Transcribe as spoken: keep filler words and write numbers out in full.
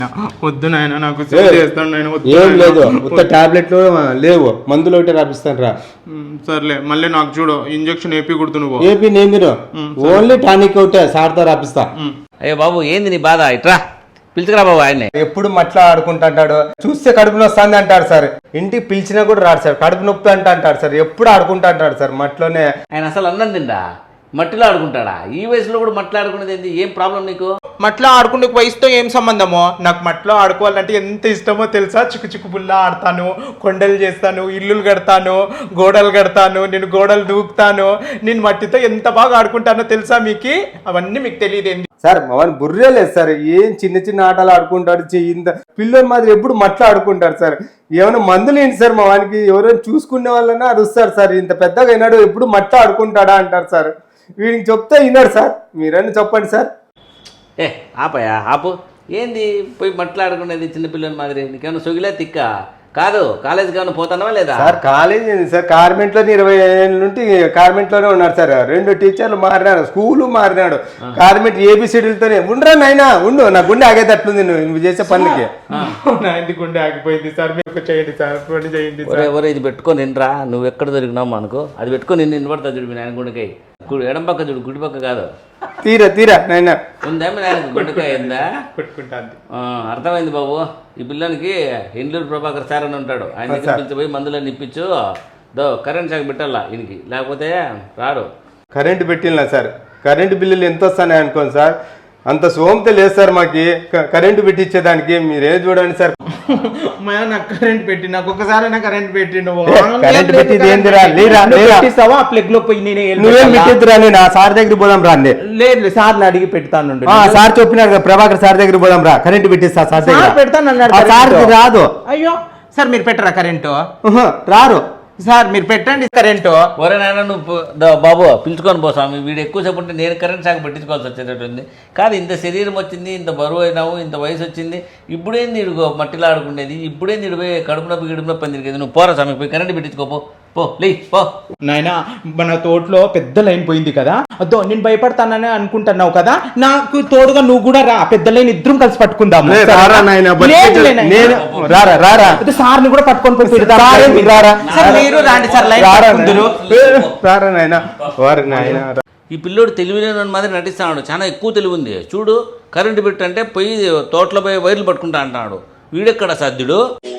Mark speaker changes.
Speaker 1: వద్దు నాయన నాకు
Speaker 2: ఏం లేదు ఉత్త టాబ్లెట్లు లేవు మందులు ఒకటి రాపిస్తాను రా.
Speaker 1: సర్లే మళ్ళీ నాకు చూడు ఇంజక్షన్ ఏపీ కుడుతు నువ్వు
Speaker 2: ఏపీ నేను మీరు ఓన్లీ టానిక్ ఒకటే సార్తో రాపిస్తా.
Speaker 3: అయ్యో బాబు ఏంది నీ బాధ ఇట్రా పిలుచుకురా బాబు ఆయన.
Speaker 2: ఎప్పుడు మట్లా ఆడుకుంటుంటాడు, చూస్తే కడుపు నొస్తుంది అంటాడు సార్. ఇంటికి పిలిచినా కూడా రాడు సార్, కడుపు నొప్పి అంట అంటాడు సార్. ఎప్పుడు ఆడుకుంటా అంటాడు సార్ మట్లోనే.
Speaker 3: ఆయన అసలు అన్నం తిండా మట్టిలో ఆడుకుంటాడా? ఈ వయసులో కూడా మట్టిలో ఆడుకునేది ఏంది? ఏం ప్రాబ్లం నీకు?
Speaker 1: మట్లో ఆడుకునే వయసుతో ఏం సంబంధమో? నాకు మట్లో ఆడుకోవాలంటే ఎంత ఇష్టమో తెలుసా? చిక్కు చిక్కు బుల్ల ఆడతాను, కొండలు చేస్తాను, ఇల్లులు కడతాను, గోడలు కడతాను, నేను గోడలు దూకుతాను. నేను మట్టితో ఎంత బాగా ఆడుకుంటానో తెలుసా మీకు? అవన్నీ మీకు తెలియదేంది
Speaker 2: సార్? అవన్నీ బుర్రే లేదు సార్. ఏం చిన్న చిన్న ఆటలు ఆడుకుంటాడు, ఇంత పిల్లల మాదిరి ఎప్పుడు మట్లో ఆడుకుంటాడు సార్. ఏమైనా మందులు ఏంటి సార్? మా వానికి ఎవరైనా చూసుకునే వాళ్ళని అరుస్తారు సార్. ఇంత పెద్దగా అయినాడు ఎప్పుడు మట్లో ఆడుకుంటాడా అంటారు సార్. వీడికి చెప్తే విన్నాడు సార్. మీరన్నా చెప్పండి సార్.
Speaker 3: ఏ ఆపయా ఆపు. ఏంది పోయి మాట్లాడుకునేది చిన్నపిల్లల మాదిరి? నీకేమన్నా సొగిలే తిక్క కాదు? కాలేజీకి ఏమైనా పోతున్నావా లేదా?
Speaker 2: సార్ కాలేజ్ ఏంది సార్? కార్మెంట్లోనే ఇరవై ఏళ్ళ నుండి కార్మెంట్లోనే ఉన్నాడు సార్. రెండు టీచర్లు మారినాడు, స్కూలు మారినాడు, కార్మెంట్ ఏబిసిడీలతోనే. ఉండరా నాయనా ఉండు, నా గుండె ఆగేటట్లుంది నువ్వు నువ్వు చేసే పనులకి.
Speaker 1: నా ఇంటి గుండె ఆగిపోయింది సార్. మీరు చేయండి సార్, పని చేయండి సార్.
Speaker 3: ఎవరో ఇది పెట్టుకొని నిండ్రా, నువ్వు ఎక్కడ దొరికినావు అనుకో, అది పెట్టుకొని నిన్ను నిలబడతా చూడు. మీ నాయన గుండెకాయ ఎడం పక్క చూడు, గుడి పక్క కాదు.
Speaker 2: తీరా తీరా నాయన
Speaker 3: ఉందేమో నాయన గుండెకాయ ఉందా?
Speaker 1: పెట్టుకుంటాను.
Speaker 3: అర్థమైంది బాబు. ఈ పిల్లనికి ఇండ్లూరు ప్రభాకర్ సార్ అని ఉంటాడు, ఆయన దగ్గర పిలిచిపోయి మందులన్నీ ఇప్పించు. దో కరెంట్ షాక్ పెట్టాలా ఈయనకి, లేకపోతే రాడు.
Speaker 2: కరెంటు పెట్టినా సార్, కరెంటు బిల్లులు ఎంత వస్తాయి అనుకోండి సార్. అంత సోమత లేదు సార్ మాకి కరెంటు పెట్టించేదానికి. మీరే చూడండి సార్.
Speaker 1: నాకు కరెంట్ పెట్టి నాకు ఒకసారి కరెంట్ పెట్టి
Speaker 2: కరెంట్ పెట్టింది ఏందిరా?
Speaker 1: ప్లగ్ లో పోయి నేనే
Speaker 2: నువ్వేం పెట్టిద్దురా? నేను ఆ సార్ దగ్గర పోదాం రా.
Speaker 1: లేదు సార్ అడిగి పెడతాను.
Speaker 2: సార్ చెప్పినారు కదా ప్రభాకర్ సార్ దగ్గర పోదాం రా, కరెంట్ పెట్టిస్తా సార్ దగ్గర.
Speaker 1: పెడతాను
Speaker 2: సార్ రాదు.
Speaker 1: అయ్యో సార్ మీరు పెట్టరా కరెంటు?
Speaker 2: రారు
Speaker 1: సార్ మీరు పెట్టండి కరెంటు.
Speaker 3: ఒరే నాయన నువ్వు బాబు పిలుచుకొని పో స్వామి. వీడు ఎక్కువసేపు ఉంటే నేను కరెంట్ షాక్ పెట్టించుకోవాల్సి వచ్చేటట్టుంది. కాదు ఇంత శరీరం వచ్చింది, ఇంత బరువు అయినావు, ఇంత వయసు వచ్చింది, ఇప్పుడేంది ఇడుగో మట్టిలో ఆడుకునేది? ఇప్పుడేంది ఇడు పోయి కడుపు నొప్పి గిడుపు నొప్పి అని తిరిగేది? నువ్వు పోరా స్వామి, పోయి కరెంట్ పెట్టించుకోపో పో లే పో.
Speaker 1: నాయనా మన తోటలో పెద్ద లైన్ పోయింది కదా, అదో నేను భయపడతానని అనుకుంటున్నావు కదా, నాకు తోడుగా నువ్వు కూడా రా. పెద్ద లైన్ ఇద్దరం కలిసి పట్టుకుందాం. సార్ ని కూడా పట్టుకొని పోయి మీరు రాండి సార్.
Speaker 3: ఈ పిల్లోడు తెలివిలేని మాదిరి నటిస్తున్నాడు, చాలా ఎక్కువ తెలివి ఉంది. చూడు కరెంటు పెట్టంటే పోయి తోటలో పోయి వైర్లు పట్టుకుంటా అంటున్నాడు. వీడెక్కడ సాధ్యుడు?